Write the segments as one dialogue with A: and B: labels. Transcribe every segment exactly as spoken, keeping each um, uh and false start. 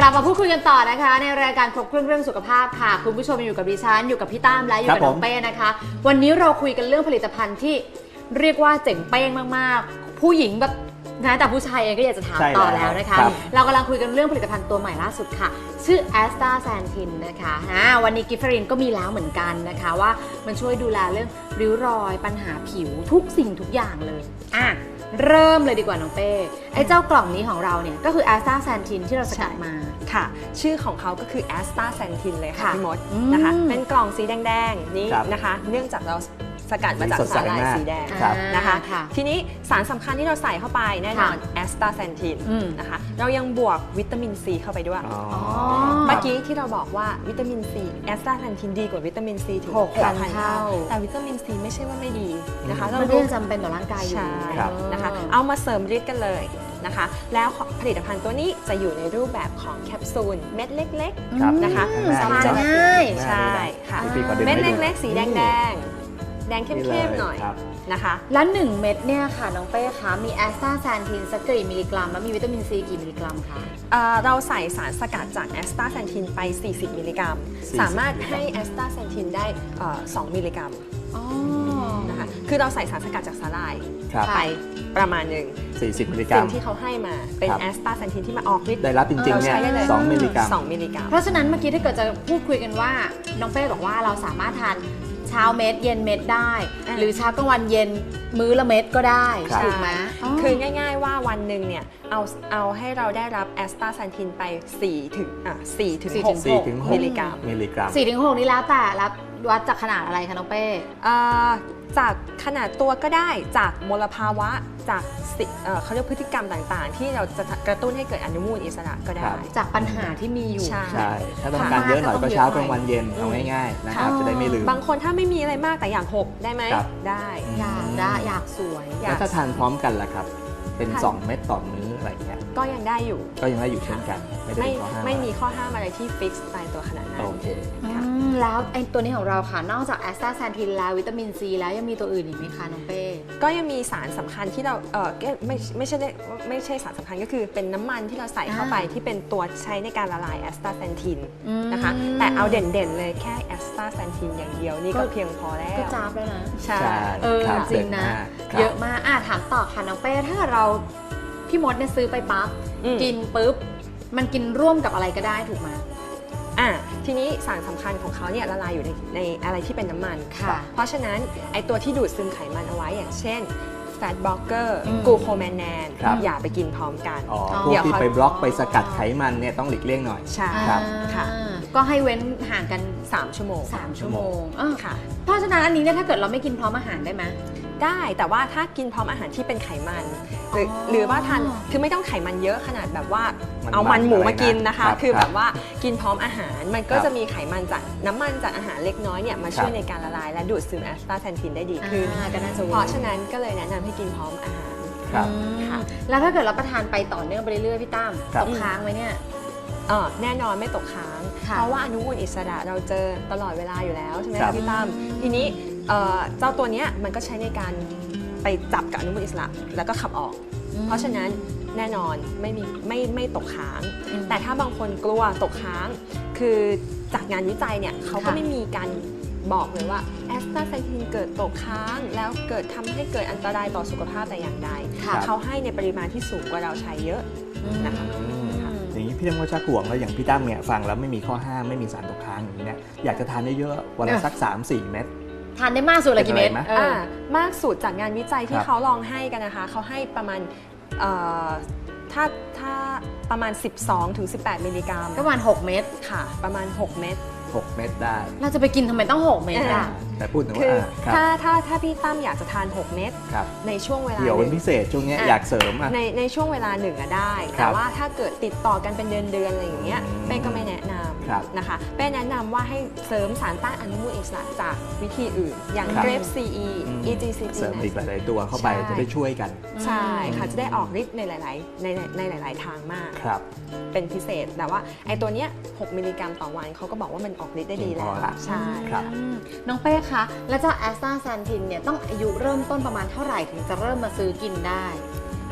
A: ลับมาพูดคุยกันต่อนะคะในรายการครบเครื่องเรื่องสุขภาพค่ะคุณผู้ชมอยู่กับดิฉันอยู่กับพี่ตั้มและอยู่กับน้องเป้นะคะวันนี้เราคุยกันเรื่องผลิตภัณฑ์ที่เรียกว่าเจ๋งเป้งมากๆผู้หญิงแบบนะแต่ผู้ชายเองก็อยากจะถามต่อแล้วนะคะเรากำลังคุยกันเรื่องผลิตภัณฑ์ตัวใหม่ล่าสุดค่ะชื่อแอสตาแซนทินนะคะวันนี้กิฟเฟอรินก็มีแล้วเหมือนกันนะคะว่ามันช่วยดูแลเรื่องริ้วรอยปัญหาผิวทุกสิ่งทุกอย่างเลยอ่ะเริ่มเลยดีกว่าน้องเป้ไอ้เจ้ากล่องนี้ของเราเนี่ยก็คือแอสตาแซนทินที่เราสกัดมา
B: ค่ะชื่อของเขาก็คือแอสตาแซนทินเลยค่ะพี่มดนะคะเป็นกล่องสีแดงๆนี้นะคะเนื่องจากเราสกัดมาจากสาหร่ายสีแดงนะคะทีนี้สารสำคัญที่เราใส่เข้าไปแน่นอนแอสตาแซนทินนะคะเรายังบวกวิตามินซีเข้าไปด้วยเมื่อกี้ที่เราบอกว่าวิตามินซีแอสตาแซนทินดีกว่าวิตามินซีถึงหกพันเท่าแต่วิตามินซีไม่ใช่ว่าไม่ดีนะคะ
A: มันก็ยังจำเป็นต่อร่างกายอยู่
B: นะคะเอามาเสริมฤทธิ์กันเลยนะคะแล้วผลิตภัณฑ์ตัวนี้จะอยู่ในรูปแบบของแคปซูลเม็ดเล็กๆนะคะ
A: ทานง่าย
B: ใช่ค่ะเม็ดเล็กๆสีแดงแดงแดงเข้มๆหน่อยนะคะ
A: แล้วหนึ่งเม็ดเนี่ยค่ะน้องเป้คะมีแอสตาแซนทินสักกี่มิลลิกรัมแล้วมีวิตามินซีกี่มิลลิกรัมคะ
B: เราใส่สารสกัดจากแอสตาแซนทินไปสี่สิบมิลลิกรัมสามารถให้แอสตาแซนทินได้สองมิลลิกรัมนะคะคือเราใส่สารสกัดจากสาหร่ายไปประมาณหนึ่ง
C: สี่สิบมิลลิกรัม
B: สิ่งที่เขาให้มาเป็นแอสตาแซนทินที่มาออกฤทธิ์
C: ได้รับจริงๆเนี่ยสองมิลลิกรัม
B: สองมิลลิกรัม
A: เพราะฉะนั้นเมื่อกี้ถ้าเกิดจะพูดคุยกันว่าน้องเป้บอกว่าเราสามารถทานเช้าเม็ดเย็นเม็ดได้หรือเช้ากลางวันเย็นมื้อละเม็ดก็ได้ถูกไหม
B: คือง่ายๆว่าวันหนึ่งเนี่ยเอาเอาให้เราได้รับแอสตาแซนทินไปสี่ถึงอ่ะสี่ถึงหกมิลลิกรัม
C: มิลลิกรัม
A: สี่ถึงหกนี่แล้วแต่รับวัดจากขนาดอะไรคะน้องเป้
B: จากขนาดตัวก็ได้จากมลภาวะจากเขาเรียกพฤติกรรมต่างๆที่เราจะกระตุ้นให้เกิดอนุมูลอิสระก็ได้
A: จากปัญหาที่มีอยู่
C: ใช่ถ้าต้องการเยอะหน่อยก็เช้ากลางวันเย็นเอาง่ายๆนะครับจะได้ไม่ลืม
B: บางคนถ้าไม่มีอะไรมากแต่อยากหกได้ไหมได้
A: อยากได้อยากสวย
C: แล้วถ้าทานพร้อมกันล่ะครับเป็นสองเม็ดต่อมื้ออะไรเงี้ย
B: ก็ยังได้อยู่
C: ก็ยังได้อยู่เช่นกัน
B: ไม่ไม่มีข้อห้ามอะไรที่ฟิกซ์ตายตัวขนาดนั้น
C: โอเค
A: แล้วไอ้ตัวนี้ของเราค่ะนอกจากแอสตาแซนทินแล้ววิตามินซีแล้วยังมีตัวอื่นอีกไหมคะน้องเป้
B: ก็ยังมีสารสำคัญที่เราเออไม่ไม่ใช่ไม่ใช่สารสำคัญก็คือเป็นน้ำมันที่เราใส่เข้าไปที่เป็นตัวใช้ในการละลายแอสตาแซนทินนะคะแต่เอาเด่นๆเลยแค่แอสตาแซนทินอย่างเดียวนี่ก็เพียงพอแล้ว
A: ก็จ้าบแล้วนะ
B: ใช่
A: เออจริงนะเยอะมากอ่ะถามต่อค่ะน้องเป้ถ้าเราพี่มดเนี่ยซื้อไปปั๊บกินปุ๊บมันกินร่วมกับอะไรก็ได้ถูกไหม
B: อ่ะทีนี้สารสำคัญของเขาเนี่ยละลายอยู่ในในอะไรที่เป็นน้ำมัน
A: ค่ะ
B: เพราะฉะนั้นไอตัวที่ดูดซึมไขมันเอาไว้อย่างเช่นแฟตบล็อกเกอร์กูโคแมนแนนอย่าไปกินพร้อมกัน
C: พวกที่ไปบล็อกไปสกัดไขมันเนี่ยต้องหลีกเลี่ยงหน่อย
B: ใช่
C: ครับ
B: ค่ะ
A: ก็ให้เว้นห่างกัน
B: สามชั่วโมง
A: สามชั่วโมง
B: ค่ะ
A: เพราะฉะนั้นอันนี้เนี่ยถ้าเกิดเราไม่กินพร้อมอาหารได้ไหม
B: ได้แต่ว่าถ้ากินพร้อมอาหารที่เป็นไขมันหรือหรือว่าทานคือไม่ต้องไขมันเยอะขนาดแบบว่าเอามันหมูมากินนะคะคือแบบว่ากินพร้อมอาหารมันก็จะมีไขมันจากน้ำมันจากอาหารเล็กน้อยเนี่ยมาช่วยในการละลายและดูดซึมแอสตาแซนทินได้ดีขึ้นเพราะฉะนั้นก็เลยแนะนำให้กินพร้อมอาหาร
A: ค่ะแล้วถ้าเกิดเราประทานไปต่อเนื่องไปเรื่อยๆพี่ตั้มตกค้างไหมเนี่ย
B: แน่นอนไม่ตกค้างเพราะว่าอนุมูลอิสระเราเจอตลอดเวลาอยู่แล้วใช่ไหมพี่ตั้มทีนี้เจ้าตัวนี้มันก็ใช้ในการไปจับกับอนุมูลอิสระแล้วก็ขับออกเพราะฉะนั้นแน่นอนไม่มีไม่ไม่ตกค้างแต่ถ้าบางคนกลัวตกค้างคือจากงานวิจัยเนี่ยเขาก็ไม่มีการบอกเลยว่าแอสตาแซนทินเกิดตกค้างแล้วเกิดทำให้เกิดอันตรายต่อสุขภาพแต่อย่างใดเขาให้ในปริมาณที่สูงกว่าเราใช้เยอะนะคะ
C: อย่างนี้พี่ตั้มก็ชักห่วงแล้วอย่างพี่ตั้มเนี่ยฟังแล้วไม่มีข้อห้ามไม่มีสารตกค้างอย่างนี้เนี่ยอยากจะทานได้เยอะวันละสัก สามถึงสี่ เม็ด
A: ทานได้มากสุดเลยกี่เม็ด
B: มากสุดจากงานวิจัยที่เขาลองให้กันนะคะเขาให้ประมาณถ้าถ้าประมาณ สิบสองถึงสิบแปด มิลลิกรัม
A: ประมาณหกเม็ด
B: ค่ะประมาณหกเม็ด
C: หกเม็ดได้
A: เราจะไปกินทำไมต้องหกเม็ดอ่ะ
C: แต่พูดถึง
B: ว่าถ้าถ้าถ้าพี่ตั้มอยากจะทานหกเม็ดในช่วงเวลา
C: เดี๋ยวเป็นพิเศษช่วงนี้อยากเสริม
B: ในในช่วงเวลาหนึ่งอะได้แต่ว่าถ้าเกิดติดต่อกันเป็นเดือนเดือนอะไรอย่างเงี้ยเป้ก็ไม่แนะนำนะคะเป้แนะนำว่าให้เสริมสารต้านอนุมูลอิสระจากวิธีอื่นอย่างเกรฟ ซี อี อี จี ซี จี
C: เสริมอีกหลายๆตัวเข้าไปจะได้ช่วยกัน
B: ใช่ค่ะจะได้ออกฤทธิ์ในหลายๆในในหลายๆทางมากเป็นพิเศษแต่ว่าไอ้ตัวเนี้ยหกมิลลิกรัมต่อวันเขาก็บอกว่ามันออกฤทธิ์ได้ดีแล้วใช่
A: น้องเป้คะแล้วเจ้าแอสตาแซนทินเนี่ยต้องอายุเริ่มต้นประมาณเท่าไหร่ถึงจะเริ่มมาซื้อกินได้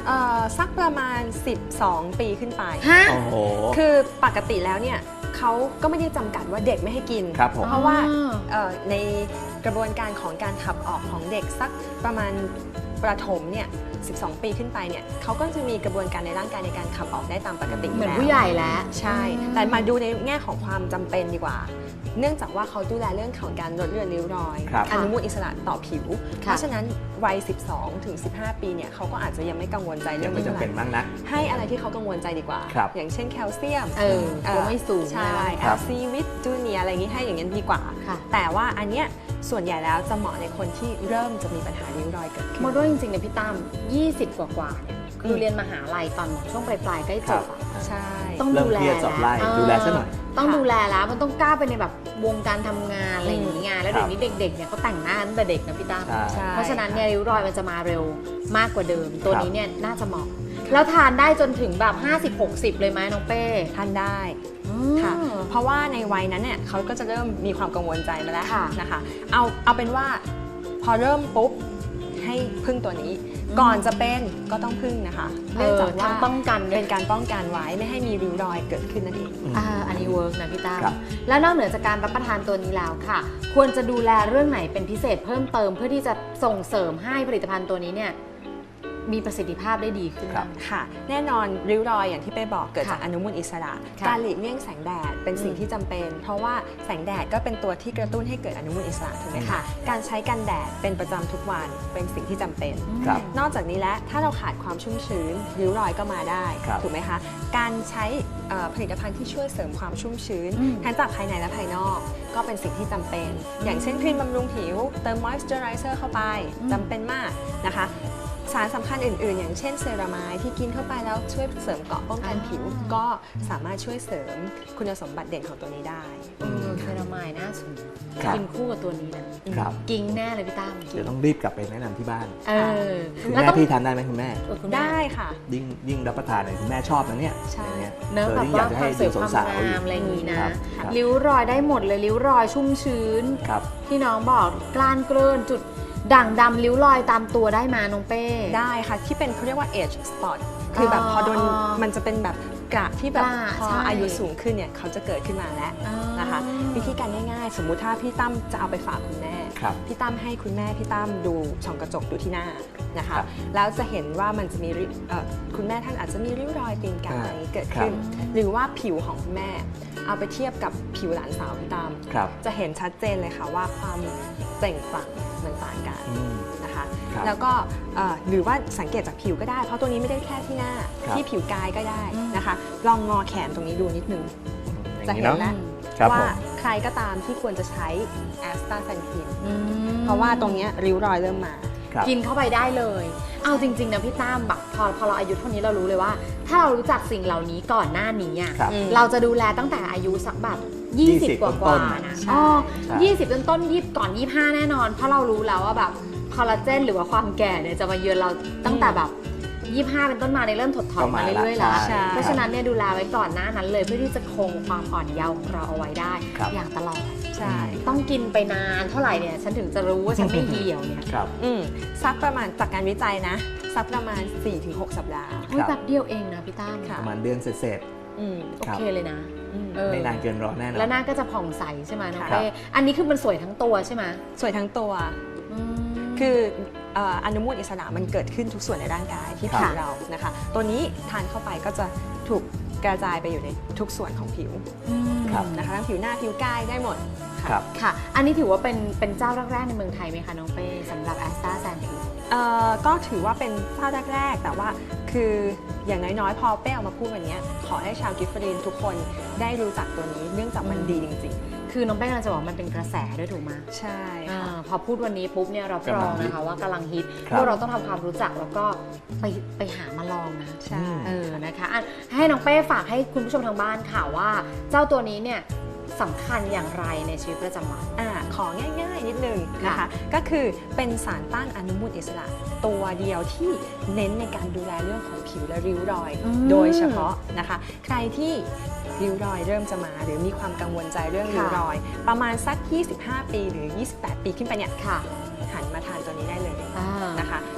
B: สักประมาณสิบสองปีขึ้นไป
A: ฮะ
C: โอ้โห
B: คือปกติแล้วเนี่ยเขาก็ไม่ได้จำกัดว่าเด็กไม่ให้กิน
C: ครับผม
B: เพราะว่า
A: อ๋อ
B: เอ่อในกระบวนการของการขับออกของเด็กสักประมาณประถมเนี่ยสิบสองปีขึ้นไปเนี่ยเขาก็จะมีกระบวนการในร่างกายในการขับออกได้ตามปกติ
A: เหมือน
B: แล้ว
A: ผู้ใหญ่แล้ว
B: ใช่ แต่มาดูในแง่ของความจำเป็นดีกว่า เนื่องจากว่าเขาดูแลเรื่องของการลดเลือนริ้วรอย
C: ครับ
B: อนุมูลอิสระต่อผิว
A: ค่ะ
B: เพราะฉะนั้นวัย สิบสองถึงสิบห้า ปีเนี่ยเขาก็อาจจะยังไม่กังวลใจเรื่
C: ยั
B: อง ง
C: ไม่
B: นี้
C: จำ
B: เท่าไห
C: เป็น
B: ร่
C: มากนัก
B: ให้อะไรที่เขากังวลใจดีกว่า
C: ครับ
B: อย่างเช่นแคลเซียม
A: เออตัวไม่สูง
B: ใช่
A: อะไร
B: แอ
C: ครั
B: ล
C: บ
B: ซีวิตจูเนียอะไรอย่างนี้ให้อย่างนี้นดีกว่า
A: ค่ะ
B: แต่ว่าอันเนี้ยส่วนใหญ่แล้วจะเหมาะในคนที่เริ่มจะมีปัญหาริ้วรอยเกิดขึ้น
A: โมด้วยจริงๆเนี่ยพี่ตั้มยี่สิบกว่าๆเนี่ยคือ
B: ม
A: เรียนมหาลัยตอนช่วงปลายๆใกล้จบอะ
B: ใช่
A: ต้อง
C: เริ่ม
A: ดูแล
C: เครียดสอบไล่
A: แล้ว
C: ดูแลซะหน่อย
A: ต้อง
B: ค่ะ
A: ดูแลแล้วมันต้องกล้าไปในแบบวงการทำงานอะไรอย่าง
B: อื
A: เงี้
B: ม
A: ยแล้วเดี๋ยวนี้เด็กๆเนี่ยเขาแต่งหน้าตั้งแต่เด็กนะพี่ตั้ม
C: ใช่
B: ใช่
A: เพราะฉะนั้นเนี่ยริ้วรอยมันจะมาเร็วมากกว่าเดิม ตัว
C: ครับ
A: นี้เนี่ยน่าจะเหมาะ แล้วทานได้จนถึงแบบ ห้าสิบหกสิบ เลยไหมน้องเป้
B: ทานได้
A: อืม
B: ค่ะ เพราะว่าในวัยนั้นเนี่ยเขาก็จะเริ่มมีความกังวลใจมาแล้ว
A: ค่ะ
B: นะคะ เอาเอาเป็นว่าพอเริ่มปุ๊บให้พึ่งตัวนี้
A: อืม
B: ก่อนจะเป็นก็ต้องพึ่งนะคะ
A: เอ
B: เนื่อง
A: อ
B: จากว่า
A: ทั้งป้องกันด้ว
B: เป็
A: ย
B: นการป้องกันไว้ไม่ให้มีริ้วรอยเกิดขึ้นนั่นเอง
A: อ่าอันนี้เวิร์กนะพี่ตั้ม
C: ครับ
A: แล้วนอกเหนือจากการรับประทานตัวนี้แล้วค่ะ ควรจะดูแลเรื่องไหนเป็นพิเศษเพิ่มเติมเพื่อที่จะส่งเสริมให้ผลิตภัณฑ์ตัวนี้เนี่ยมีประสิทธิภาพได้ดีขึ้น
C: ครับ
B: ค่ะแน่นอนริ้วรอยอย่างที่เป้บอกเกิดจาก
A: ค่ะ
B: อนุมูลอิสระ
A: ค่ะ
B: การหลีกเลี่ยงแสงแดดเป็นสิ่ง
A: อืม
B: ที่จำเป็น เพราะว่าแสงแดดก็เป็นตัวที่กระตุ้นให้เกิดอนุมูลอิสระถูกไหม
A: ค่ะ
B: คะการใช้กันแดดเป็นประจำทุกวันเป็นสิ่งที่จำเป็น
C: ครับ
B: นอกจากนี้แล้วถ้าเราขาดความชุ่มชื้นริ้วรอยก็มาได้
C: ครับ
B: ถูกไหมคะการใช้เอ่อผลิตภัณฑ์ที่ช่วยเสริมความชุ่มชื้น
A: อืม
B: ทั้งจากภายในและภายนอก ก็เป็นสิ่งที่จำเป็น อย่างเช่นครีมบำรุงผิวเติมมอยส์เจอไรเซอร์เข้าไป
A: อืม
B: จำเป็นมากนะคะสารสำคัญอื่นๆ อย่างเช่นเซรามายที่กินเข้าไปแล้วช่วยเสริมเกราะป้องกันผิว ก็สามารถช่วยเสริมคุณสมบัติเด่นของตัวนี้ได้
A: เออเซรามายน่าสน
C: ครับ
A: กินคู่กับตัวนี้นะครับ กิ้งแน่เลยพี่ตั้ม
C: เดี๋ยวต้องรีบกลับไปแนะนำที่บ้าน
A: เออ
C: คุณ
A: แล้ว
C: แม่
A: ต้อง
C: พี่ทานได้ไหมคุณแม่
A: เออคุณแม่
B: ได้ค่ะ
C: ยิ่งยิ่งรับประทานเนี่ยคุณแม่ชอบนะเนี่ย
B: ใช่
C: อย่างเงี้ย
A: เนอะ
C: เออ
A: แบบ
C: ยิ่งอยากจะ
A: ว่าค
C: ให้
A: วามส
C: ดู
A: วยความ
C: สาวๆอยู่
A: งามอะไรอย่างนี้นะครับ
C: ครับ
A: ริ้วรอยได้หมดเลยริ้วรอยชุ่มชื้น
C: ครับ
A: ที่น้องบอกกล้านเกลื่อนจุดด่างดำริ้วรอยตามตัวได้มาน้องเป้
B: ได้ค่ะที่เป็นเขาเรียกว่า age spot คือแบบ
A: อ๋อ
B: พอโดนมันจะเป็นแบบกระที่แบบ
A: กระ
B: พอ
A: ใช่
B: อายุสูงขึ้นเนี่ยเขาจะเกิดขึ้นมาแล้ว
A: อ่าน
B: นะคะ วิธีการง่ายๆ สมมุติถ้าพี่ตั้มจะเอาไปฝากคุณแม่
C: ครับ
B: พี่ตั้มให้คุณแม่พี่ตั้มดูส่องกระจกดูที่หน้านะคะ
C: ครับ
B: แล้วจะเห็นว่ามันจะมีริ้วเอ่อคุณแม่ท่านอาจจะมีริ้วรอยตีนกา
C: อ่า
B: เกิดขึ้น
C: ครับ
B: หรือว่าผิวของคุณแม่ เอาไปเทียบกับผิวหลานสาวพี่ตั้ม
C: ครับ
B: จะเห็นชัดเจนเลยค่ะว่าความเปล่งปลั่งมันต่างกัน
C: อืม
B: นะคะ
C: ครับ
B: แล้วก็เอ่อหรือว่าสังเกตจากผิวก็ได้ เพราะตัวนี้ไม่ได้แค่ที่หน้า
C: ครับ
B: ที่ผิวกายก็ได้
A: อืม
B: นะคะ ลองงอแขนตรงนี้ดูนิดนึง
C: อ
B: จะ
C: ย่าง
B: เห็
C: นี้
B: น
C: เนาะ
B: แล้ว
C: ครับผ
B: ว่าม ใครก็ตามที่ควรจะใช้แอสตาแซนทิน
A: อืม
B: เพราะว่าตรงเนี้ยริ้วรอยเริ่มมา
C: ครับ
A: กินเข้าไปได้เลย เอาจริง ๆ นะพี่ตั้มแบบพอพอเราอายุเท่านี้เรารู้เลยว่า ถ้าเรารู้จักสิ่งเหล่านี้ก่อนหน้านี้อ่ะ
C: ครับ
B: อืม
A: เราจะดูแลตั้งแต่อายุสักแบบยี่สิบ
C: ยี่สิบ
A: กว่า
C: ต้
A: ๆ
C: นๆ
A: นะ
B: ใช่
A: อ๋อ
C: ใช่
A: ยี่สิบต้นต้นยี่ก่อนยี่ห้าแน่นอน เพราะเรารู้แล้วว่าแบบคอลลาเจนหรือว่าความแก่เนี่ยจะมาเยือนเราตั้งแต่แบบยี่ห้าเป็นต้นมาในยเริ่มถดถอยมาเรื่อยๆแล้ว
C: ใช่
A: เพราะฉะนั้นเนี่ยดูแลไว้ก่อนหน้านั้นเลยเพื่อที่จะคงความอ่อนเยาว์ของเราเอาไว้ได้
C: ครับ
A: อย่างตลอด
B: ใช่
A: ต้องกินไปนานเท่าไหร่เนี่ยฉันถึงจะรู้ว่าฉันไม่เหี่ยวเนี่ย
C: ครับ
B: อืมสักประมาณจากการวิจัยนะ สักประมาณ สี่ถึงหก สัปดาห์
A: เฮ้ย
C: ครับ
A: แบบเดียวเองนะพี่ตั้ม
B: ค่ะ
C: ประมาณเดือนเสร็จ
B: อืม
A: โอเคเลยนะ
B: อืม
A: เออ
C: ๆไม่นานเกินรอแน่นอน
A: แล้วหน้าก็จะผ่องใสใช่ไหมน้อง
C: ครับ
A: เป้อันนี้คือมันสวยทั้งตัวใช่ไหม
B: สวยทั้งตัว
A: อืม
B: คือเอ่ออนุมูลอิสระมันเกิดขึ้นทุกส่วนในร่างกายที่
C: ครับ
B: ผิวเรานะคะ ตัวนี้ทานเข้าไปก็จะถูกกระจายไปอยู่ในทุกส่วนของผิว
C: ครับ
B: นะคะทั้งผิวหน้าผิวกายได้หมดค่ะ
C: ครับ
A: ค่ะ อันนี้ถือว่าเป็นเป็นเจ้าแรกๆในเมืองไทยไหมคะน้องเป้สำหรับแอสตาแซนทิน
B: เอ่อก็ถือว่าเป็นเจ้าแรกๆ แต่ว่าคืออย่างน้อยๆ พอเป้เอามาพูดวันนี้ขอให้ชาวกิฟฟรีนทุกคนได้รู้จักตัวนี้เนื่องจากมันดีจริง
A: คือน้องเป้กำลังจะบอกว่ามันเป็นกระแสด้วยถูกไหม
B: ๆ ใช่
A: อ่า
B: ค่ะ
A: พอพูดวันนี้ปุ๊บเนี่ยเรารองนะคะว่ากำลังฮิต
C: ครับ
A: พวกเราต้องทำความรู้จักแล้วก็ไปไปหามาลองนะ
B: ใช่
A: เออนะคะอ่ะให้น้องเป้ฝากให้คุณผู้ชมทางบ้านค่ะว่า เจ้าตัวนี้เนี่ยสำคัญอย่างไรในชีวิตประจำวัน
B: อ่าของง่ายๆ นิดนึงนะคะ
A: ค่ะ
B: ก็คือเป็นสารต้านอนุมูลอิสระ ตัวเดียวที่เน้นในการดูแลเรื่องของผิวและริ้วรอย
A: อืม
B: โดยเฉพาะนะคะ ใครที่ริ้วรอยเริ่มจะมาหรือมีความกังวลใจเรื่องริ้วรอย ประมาณสัก ยี่สิบห้า ปีหรือ ยี่สิบแปด ปีขึ้นไปเนี่ย
A: ค่ะ
B: หันมาทานตัวนี้ได้เลย
A: อ่า
B: นะคะ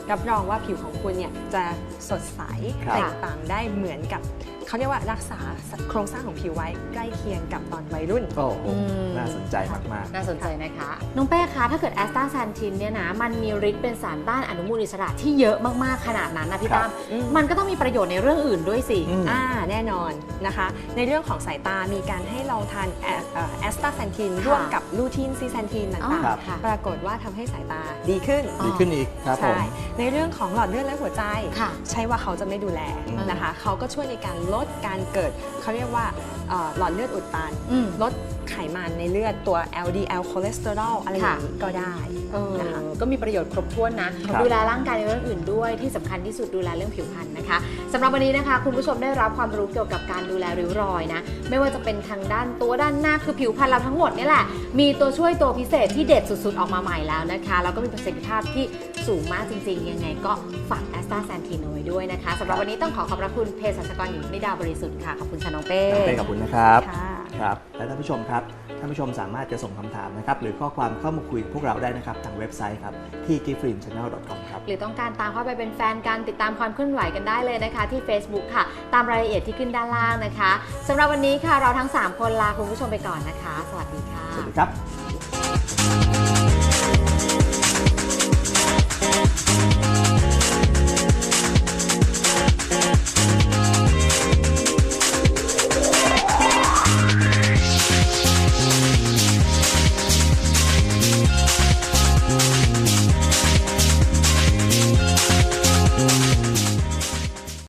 B: รับรองว่าผิวของคุณเนี่ยจะสดใส
C: ครับ
B: เปล่งปลั่งได้เหมือนกับเขาเรียกว่ารักษาโครงสร้างของผิวไว้ใกล้เคียงกับตอนวัยรุ่น
C: โอ้โห
A: อืม
C: น่าสนใจมาก
A: น่าสนใจนะคะ น้องเป้คะถ้าเกิดแอสตาแซนทินเนี่ยนะมันมีฤทธิ์เป็นสารต้านอนุมูลอิสระที่เยอะมากๆขนาดนั้นนะพี่
C: ครับ
A: ตั้ม
B: อืม
A: มันก็ต้องมีประโยชน์ในเรื่องอื่นด้วยสิ
C: อืม
B: อ่าแน่นอนนะคะ ในเรื่องของสายตามีการให้ลองทานแอสตาแซนทิน
A: ค่ะ
B: ร่วมกับลูทีนซีแซนทิน
A: อ๋อ
B: ต่าง
C: ครับ
A: ค่ะ
B: ๆ ปรากฏว่าทำให้สายตาดีขึ้น
A: อ๋อ
C: ดีขึ้นอีกครับผม
B: ใช่ ในเรื่องของหลอดเลือดและหัวใจ
A: ค่ะ
B: ใช่ว่าเขาจะไม่ดูแล
C: อืม
B: นะคะ เขาก็ช่วยในการลดการเกิดเขาเรียกว่าเอ่อหลอดเลือดอุดตัน
A: อืม
B: ลดไขมันในเลือดตัว แอล ดี แอล คอเลสเตอรอลอะไรอย่างนี้ก็ได้
A: เออ
B: นะคะ
A: ก็มีประโยชน์ครบถ้วนนะ
C: ครับ
A: ดูแลร่างกายในเรื่องอื่นด้วยที่สำคัญที่สุดดูแลเรื่องผิวพรรณนะคะสำหรับวันนี้นะคะ คุณผู้ชมได้รับความรู้เกี่ยวกับการดูแลริ้วรอยนะไม่ว่าจะเป็นทางด้านตัวด้านหน้าคือผิวพรรณเราทั้งหมดนี่แหละมีตัวช่วยตัวพิเศษที่เด็ดสุดๆออกมาใหม่แล้วนะคะแล้วก็มีประสิทธิภาพที่สูงมากจริงๆยังไงก็ฝากแอสตาแซนทินเอาไว้ด้วยนะคะสำหรับวันนี้ต้องขอขอบพระคุณเภสัชกรหญิงนิดาบริสุทธิ์ค่ะขอบคุณค่ะน้องเป้
C: น้องเป้ขอบคุณนะครับ
B: ค่ะ
C: ครับ และท่านผู้ชมครับ ท่านผู้ชมสามารถจะส่งคำถามนะครับ หรือข้อความเข้ามาคุยกับพวกเราได้นะครับ ทางเว็บไซต์ครับ ที่ gift green channel dot com ครับ
A: หรือต้องการตามเข้าไปเป็นแฟนกันติดตามความเคลื่อนไหวกันได้เลยนะคะ ที่ Facebook ค่ะ ตามรายละเอียดที่ขึ้นด้านล่างนะคะสำหรับวันนี้ค่ะเราทั้งสามคนลาคุณผู้ชมไปก่อนนะคะ สวัสดีค่ะ
C: สวัสดีครับ